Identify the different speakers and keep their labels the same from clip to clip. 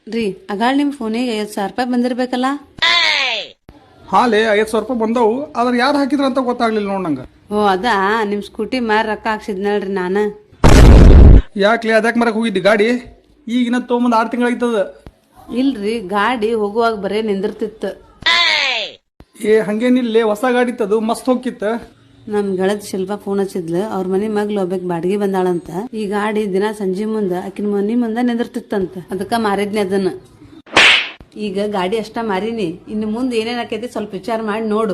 Speaker 1: ರೀ ಅಗಾಳ್ ನಿಮ್ ಫೋನಿಗೆ 50,000 ರೂಪಾಯಿ ಬಂದಿರ್ಬೇಕಲ್ಲ?
Speaker 2: ಹಾಲೇ 5,000 ರೂಪಾಯಿ ಬಂದವು. ಆದ್ರೆ ಯಾರು ಹಾಕಿದ್ರ ಅಂತ ಗೊತ್ತಾಗ್ಲಿಲ್ಲ ನೋಡ್ ನಂಗೆ.
Speaker 1: ಓ ಅದಾ, ನಿಮ್ ಸ್ಕೂಟಿ ಮಾರ್ ರೊಕ್ಕ ಹಾಕ್ಸಿದ್ನಲ್ರಿ ನಾನು.
Speaker 2: ಯಾಕ್ಲೆ ಅದಕ್ಕೆ ಮರಕ್ ಹೋಗಿದ್ದಿ ಗಾಡಿ? ಈಗಿನ ತೊಗೊಂಬಂದು 6 ತಿಂಗಳಾಯ್ತದ.
Speaker 1: ಇಲ್ರಿ, ಗಾಡಿ ಹೋಗುವಾಗ ಬರೇ ನಿಂದಿರ್ತಿತ್ತು.
Speaker 2: ಹಂಗೇನಿಲ್ಲ, ಹೊಸ ಗಾಡಿ ಇತ್ತದು, ಮಸ್ತ್ ಹೋಗಿತ್ತ.
Speaker 1: ನಮ್ ಗೆಳತಿ ಶಿಲ್ಪ ಫೋನ್ ಹಚ್ಚಿದ್ಲು, ಅವ್ರ ಮನೆ ಮಗ್ಳು ಒಬ್ಬಕ್ ಬಾಡಿಗೆ ಬಂದಾಳಂತ. ಈ ಗಾಡಿ ದಿನ ಸಂಜೆ ಮುಂದ ಆಕಿನ ಮನಿ ಮುಂದ ನಿಂದಿರ್ತಿತ್ತಂತ. ಅದಕ್ಕ ಮಾರಿದ್ನಿ ಅದನ್ನ. ಈಗ ಗಾಡಿ ಅಷ್ಟ ಮಾರಿನಿ, ಇನ್ನು ಮುಂದೆ ಏನೇನ್ ಆಕೈತಿ ಸ್ವಲ್ಪ ವಿಚಾರ ಮಾಡಿ ನೋಡು.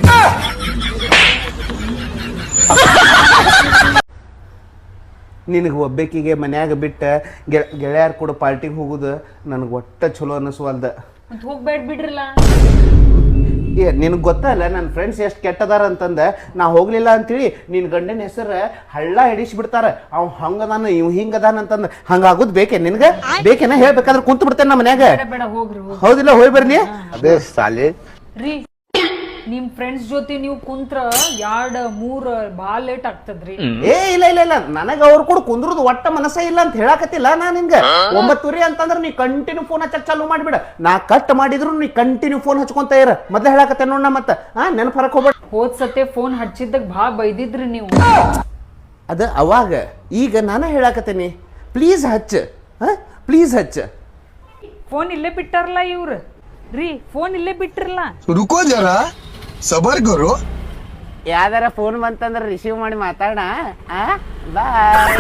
Speaker 3: ನಿನಗೆ ಒಬ್ಬಾಕಿಗೆ ಮನ್ಯಾಗ ಬಿಟ್ಟ ಗೆಳೆಯರ ಕೂಡ ಪಾರ್ಟಿಗೆ ಹೋಗುದು ನನಗೆ ಒಟ್ಟ ಚಲೋ ಅನ್ನಿಸ್ವಲ್ದ.
Speaker 4: ಹೋಗ್ಬೇಡ ಬಿಡ್ರಲ್ಲ.
Speaker 3: ನಿನಗೆ ಗೊತ್ತಲ್ಲ ನನ್ನ ಫ್ರೆಂಡ್ಸ್ ಎಷ್ಟು ಕೆಟ್ಟದಾರ ಅಂತಂದ ನಾ ಹೋಗ್ಲಿಲ್ಲ ಅಂತೇಳಿ ನಿನ್ನ ಗಂಡನ ಹೆಸರು ಹಳ್ಳ ಹಿಡಿಸ್ಬಿಡ್ತಾರ. ಅವ್ ಹಂಗದಾನ ಇವ್ ಹಿಂಗದಾನ ಅಂತಂದ ಹಂಗಾಗುದ್ ಬೇಕೆ ನಿನಗೆ? ಬೇಕೇನ? ಹೇಳ್ಬೇಕಾದ್ರೆ ಕುಂತು ಬಿಡ್ತೇನೆ ನಮ್ಮ ಮನ್ಯಾಗ. ಹೌದಿಲ್ಲ? ಹೋಗಿ ಬರ್ಲಿ. ಅದೇ ಸಾಲಿ
Speaker 4: ರೀ, ನಿಮ್ ಫ್ರೆಂಡ್ಸ್ ಜೊತೆ ನೀವು ಕುಂತ್ರ 2-3 ಬಾಳ ಲೇಟ್ ಆಗ್ತದ್ರಿ.
Speaker 3: ಇಲ್ಲ ಇಲ್ಲ ಇಲ್ಲ, ನನಗ ಅವ್ರು ಕೂಡ ಕುಂದ್ರದು ಒಟ್ಟ ಮನಸ್ಸ ಇಲ್ಲ ಅಂತ ಹೇಳಕತ್ತಿಲ್ಲ ನಾ ನಿನ್ಗ. 9 ಅಂತಂದ್ರ ನೀ ಕಂಟಿನ್ಯೂ ಫೋನ್ ಹಚ್ಚಕ್ ಚಾಲು ಮಾಡ್ಬಿಡ. ನಾ ಕಟ್ ಮಾಡಿದ್ರು ನೀ ಕಂಟಿನ್ಯೂ ಫೋನ್ ಹಚ್ಕೊಂತ ಇರ. ಮೊದ್ಲ ಹೇಳಕತ್ತೆ ನೋಡ್. ಮತ್ತ ನೆನಪು ಹರಕ್ ಹೋಗ್ಬೇಡ.
Speaker 4: ಹೋದ್ ಸತೆ ಫೋನ್ ಹಚ್ಚಿದಾಗ ಭಾಳ ಬೈದಿದ್ರಿ ನೀವು.
Speaker 3: ಅದ ಅವಾಗ. ಈಗ ನಾನು ಹೇಳಕತ್ತೇನಿ, ಪ್ಲೀಸ್ ಹಚ್ಚ, ಪ್ಲೀಸ್ ಹಚ್ಚ.
Speaker 4: ಫೋನ್ ಇಲ್ಲೇ ಬಿಟ್ಟಾರಲ್ಲ ಇವ್ರು. ರೀ, ಫೋನ್ ಇಲ್ಲೇ ಬಿಟ್ಟಿರಲ್ಲ.
Speaker 5: रुको जरा सबर करो.
Speaker 3: ಯಾವ್ದಾರ ಫೋನ್ ಬಂತಂದ್ರ ರಿಸೀವ್ ಮಾಡಿ ಮಾತಾಡ. ಬಾಯ್.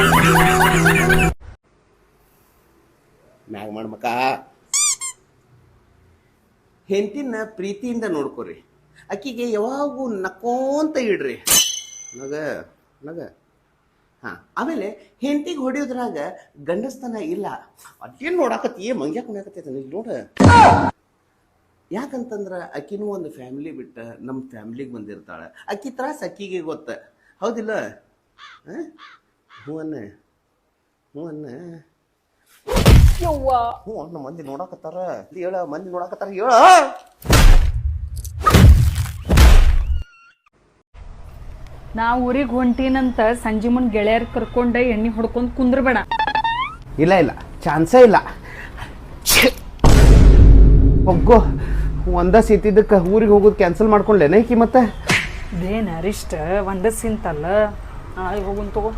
Speaker 3: ಮ್ಯಾಗ ಮಾಡ್ಮಕ. ಹೆಂಡತಿನ ಪ್ರೀತಿಯಿಂದ ನೋಡ್ಕೊರಿ. ಅಕ್ಕಿಗೆ ಯಾವಾಗೂ ನಕ್ಕೋಂತ ಇಡ್ರಿ. ನಗ ನಗ. ಆಮೇಲೆ ಹೆಂಡತಿಗೆ ಹೊಡಿಯೋದ್ರಾಗ ಗಂಡಸ್ತನ ಇಲ್ಲ. ಅದೇನು ನೋಡಾಕತ್ತಿ ಮಂಗ್ಯಾಕ ಕುಣಿಯಾಕತ್ತೈತೆ ನೋಡ. ಯಾಕಂತಂದ್ರ ಅಕ್ಕಿನೂ ಒಂದು ಫ್ಯಾಮಿಲಿ ಬಿಟ್ಟ ನಮ್ಮ ಫ್ಯಾಮಿಲಿಗೆ ಬಂದಿರ್ತಾಳೆ. ಅಕ್ಕಿ ತ್ರಾಸ ಅಕ್ಕಿಗೆ ಗೊತ್ತ. ಹೌದಿಲ್ಲ? ಹ್ಞೂ ಅನ್ನ ಹ್ಞೂ ಅನ್ನ ಹ್ಞೂ ಅನ್ನ. ಮಂದಿ ನೋಡಾಕತ್ತಾರ ಹೇಳ, ಮಂದಿ ನೋಡಾಕತ್ತಾರ ಹೇಳ.
Speaker 4: ನಾ ಊರಿಗೆ ಹೊಂಟೀನಂತ ಸಂಜೆ ಮುಂದ್ ಗೆಳೆಯರ್ ಕರ್ಕೊಂಡ ಎಣ್ಣೆ ಹೊಡ್ಕೊಂಡ್ ಕುಂದ್ರಬೇಡ.
Speaker 3: ಇಲ್ಲ ಇಲ್ಲ, ಚಾನ್ಸೇ ಇಲ್ಲ. ಹೋಗೋ, ಒಂದ ಸೀತಿದ್ದಕ್ಕೆ ಊರಿಗೆ ಹೋಗೋದು ಕ್ಯಾನ್ಸಲ್ ಮಾಡ್ಕೊಂಡ್ಲೇನ ಈಕಿ? ಮತ್ತೆ
Speaker 4: ಇದೇನ ಅರಿಷ್ಟ ಒಂದ ಸಿಂತಲ್ಲ. ನಾಳೆ ಹೋಗುನ್ ತಗೋ.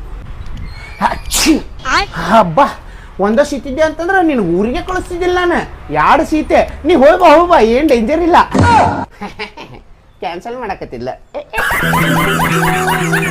Speaker 3: ಹಬ್ಬ, ಒಂದ ಸೀತಿದ್ದೆ ಅಂತಂದ್ರ ನೀನು ಊರಿಗೆ ಕಳಿಸ್ತಿದ್ದಿಲ್ಲ ನಾನು. 2 ಸೀತೆ. ನೀ ಹೋಗ್ಬಾ, ಏನ್ ಡೇಂಜರ್ ಇಲ್ಲ. ಕ್ಯಾನ್ಸಲ್ ಮಾಡಕತ್ತಿಲ್ಲ.